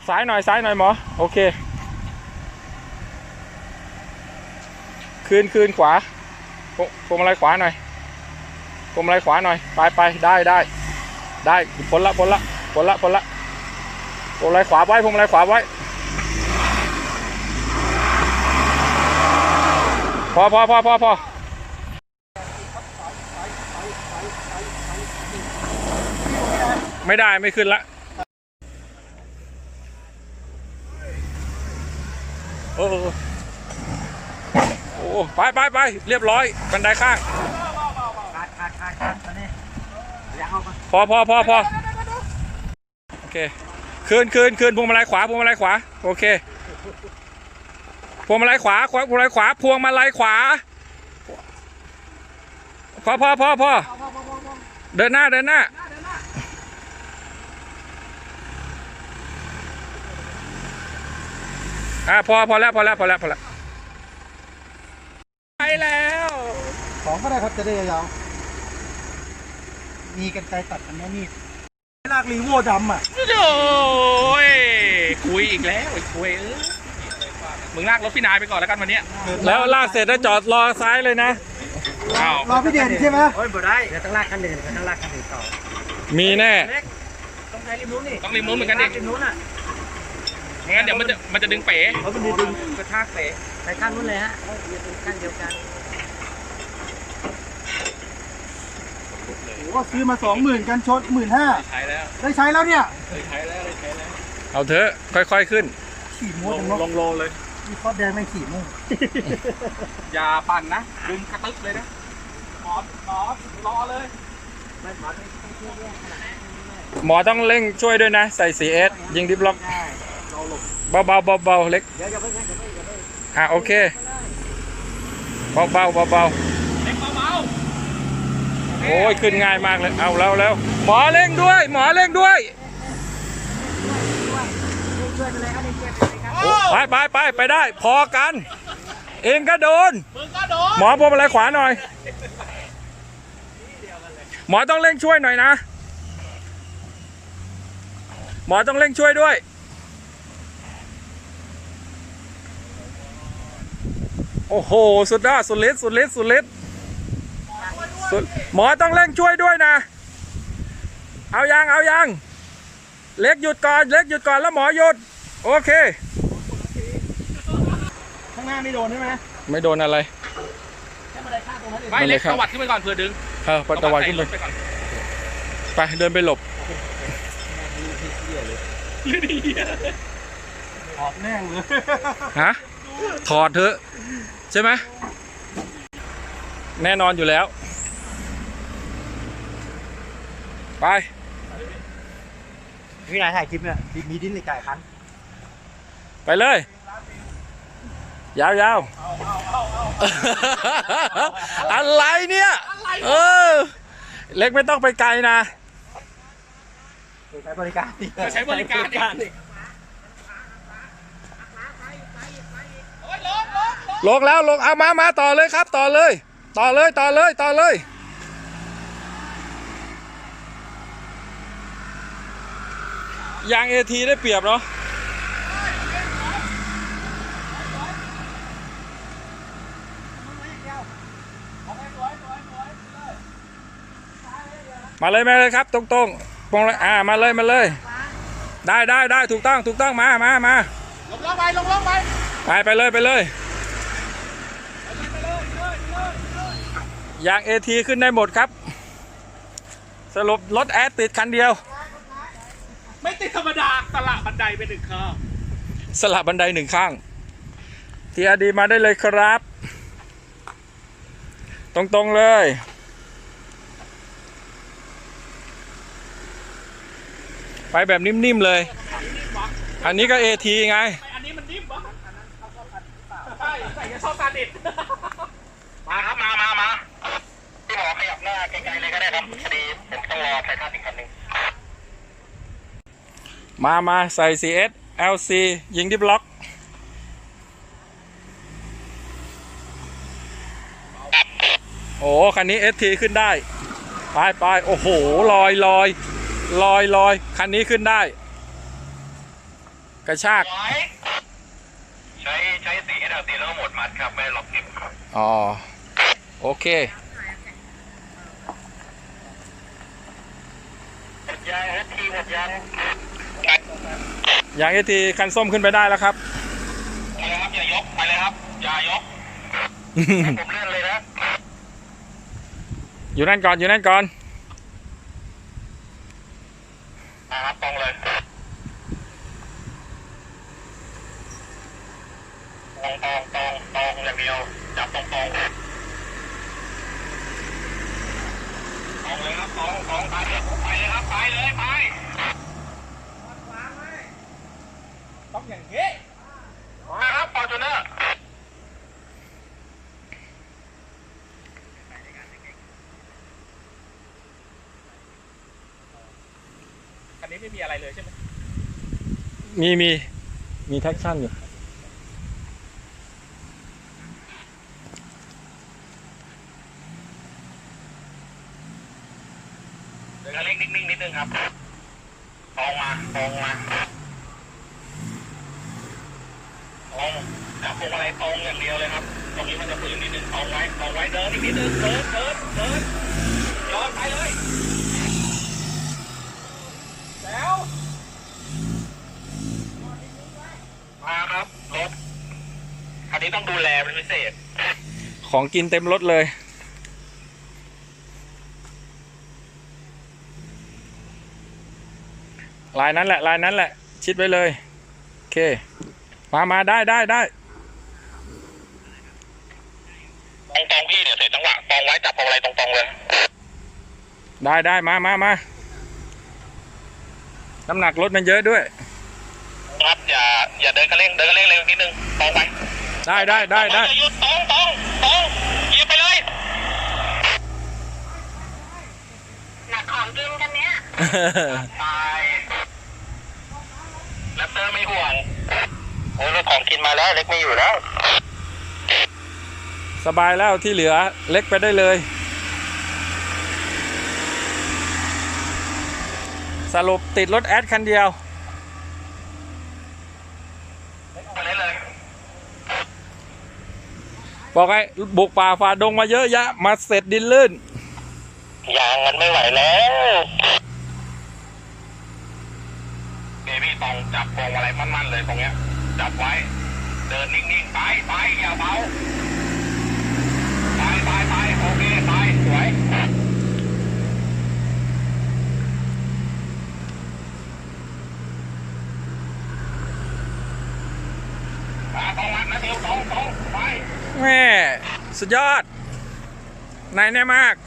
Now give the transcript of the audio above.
ซ้ายหน่อยหมอโอเคคืนขวาพวงมาลัยขวาหน่อยพวงมาลัยขวาหน่อยไปได้พ้นละพวงมาลัยขวาไว้พวงมาลัยขวาไว้พอไม่ได้ไม่ขึ้นละโอ้ไปเรียบร้อยบันไดข้างพอโอเคคืนพวงมาลัยขวาโอเคพวงมาลัยขวาพวงมาลัยขวาพอเดินหน้าพอแล้วไปแล้วของก็ได้ครับจะได้ยาวๆมีกันไกรตัดอันนี้ลากรีโวดำอ่ะโอ้ยคุยอีกแล้วคุยมึงลากรถพี่นายไปก่อนแล้วกันวันนี้แล้วลากเสร็จแล้วจอดรอซ้ายเลยนะรอพี่เด่นใช่ไหมโอ้ยบ่ได้เดี๋ยวต้องลากคันอื่นต้องลากคันอื่นต่อมีแน่ต้องใช้ริมนู้นนี่ต้องริมนู้นเหมือนกันดิริมนู้นอ่ะงั้นเดี๋ยวมันจะดึงเป๋มันดึงกระชากเป๋ไปข้างนู้นเลยฮะอย่าเป็นข้างเดียวกันโอ้ซื้อมา20,000กันชด15,000 ใช้แล้วได้ใช้แล้วเนี่ยใช้แล้วเอาเถอะค่อยๆขึ้นขี่ม้วนลงโลเลยมีคอแดงไม่ขี่ม้วนอย่าปั่นนะดึงกระตึกเลยนะหมอรอเลยหมอต้องเร่งช่วยด้วยนะใส่ 4S ยิงดิฟล็อกเบาเล็กโอเคเบาเล็กเบาโอ้ยขึ้นง่ายมากเลยเอาแล้วหมอเร่งด้วยไปได้พอกันเองก็โดนหมอพวงมาลัยขวาหน่อยหมอต้องเร่งช่วยหน่อยนะหมอต้องเร่งช่วยด้วยโอ้โหสุดยอดสุดฤทธิ์หมอต้องเร่งช่วยด้วยนะเอายังเล็กหยุดก่อนแล้วหมอหยุดโอเคข้างหน้าไม่โดนใช่ไหมไม่โดนอะไรไม่เล็กตวัดขึ้นไปก่อนเพื่อดึงตวัดขึ้นไปเดินไปหลบถอดแน่เลยฮะถอดเถอะใช่ไหมแน่นอนอยู่แล้วไปพี่นายถ่ายคลิปเนี่ยมีดิ้นในไก่คันไปเลยยาวอะไรเนี่ยเล็กไม่ต้องไปไกลนะใช้บริการลงแล้วเอามาต่อเลยครับต่อเลยยาง AT ได้เปรียบเนาะมาเลยครับตรงมาเลยได้ถูกต้องมาลงไปเลยยาง AT ขึ้นได้หมดครับสรุปรถแอดติดคันเดียวไม่ติดธรรมดาสละบันไดไป1 ข้างทีอาดีมาได้เลยครับตรงเลยไปแบบนิ่มๆเลยอันนี้ก็ AT ไงอันนี้มันนิ่มวะใส่จะชอบการดิดมาครับมาพี่หมอขยับหน้าไกลๆเลยก็ได้ครับพอดีผมต้องรอไททันอีกคันนึงมาใส่ 4S LC ยิงดิฟล็อกโอ้คันนี้ ST ขึ้นได้ไปโอ้โหลอยคันนี้ขึ้นได้กระชากใช้สีให้เราตีแล้วก็หมดมัดครับไม่ล็อกนิ้วครับอ๋อโอเคหมดยางนะทีหมดยางอย่างไอทีคันส้มขึ้นไปได้แล้วครับไปเลยครับอย่ายกไปเลยครับอย่ายกให้ผมเลื่อนเลยนะอยู่นั่นก่อนอยู่นั่นก่อนครับตรงเลยตรงอย่างเดียวจับตรงเลยครับตรงไปเลยครับไปเลยไปต้องอย่างนี้นะครับฟอร์จูเนอร์คันนี้ไม่มีอะไรเลยใช่ไหมมีแท็กชั่นอยู่เดินเล็กนิ่งๆนิดนึงครับตรงมาตรงจับพวงมาลัยตรงอย่างเดียวเลยครับตรงนี้มันจะฝืนนิดนึงตรงไว้เดินอีกนิดนึงเดินย้อนไปเลยแล้วมาครับรถคันนี้ต้องดูแลเป็นพิเศษของกินเต็มรถเลยลายนั้นแหละ ชิดไว้เลยโอเคมาได้ตรงพี่เดี๋ยวเสร็จจังหวะตรงไว้จับพวงมาลัยตรงๆเลยได้มาน้ำหนักรถมันเยอะด้วยครับอย่าเดินกระเร่งเร็วนิดนึงตรงไปได้หยุดตรงเหยียบไปเลยหนักของกินกันเนี้ยตายแรปเตอร์ไม่ห่วงโอ้ยรถของกินมาแล้วเล็กไม่อยู่แล้วสบายแล้วที่เหลือเล็กไปได้เลยสรุปติดรถแอดคันเดียวบอกไงบุกป่าฝ่าดงมาเยอะแยะมาเสร็จดินลื่นยางมันไม่ไหวแล้วเบบี้ตองจับพวงอะไรมั่นๆเลยตรงเนี้ยจับไว้เดินนิ่งๆไปอย่าเบาไปโอเคไปสวยตรงมันนะเดี๋ยวตรงไปแม่สุดยอดนายแน่มาก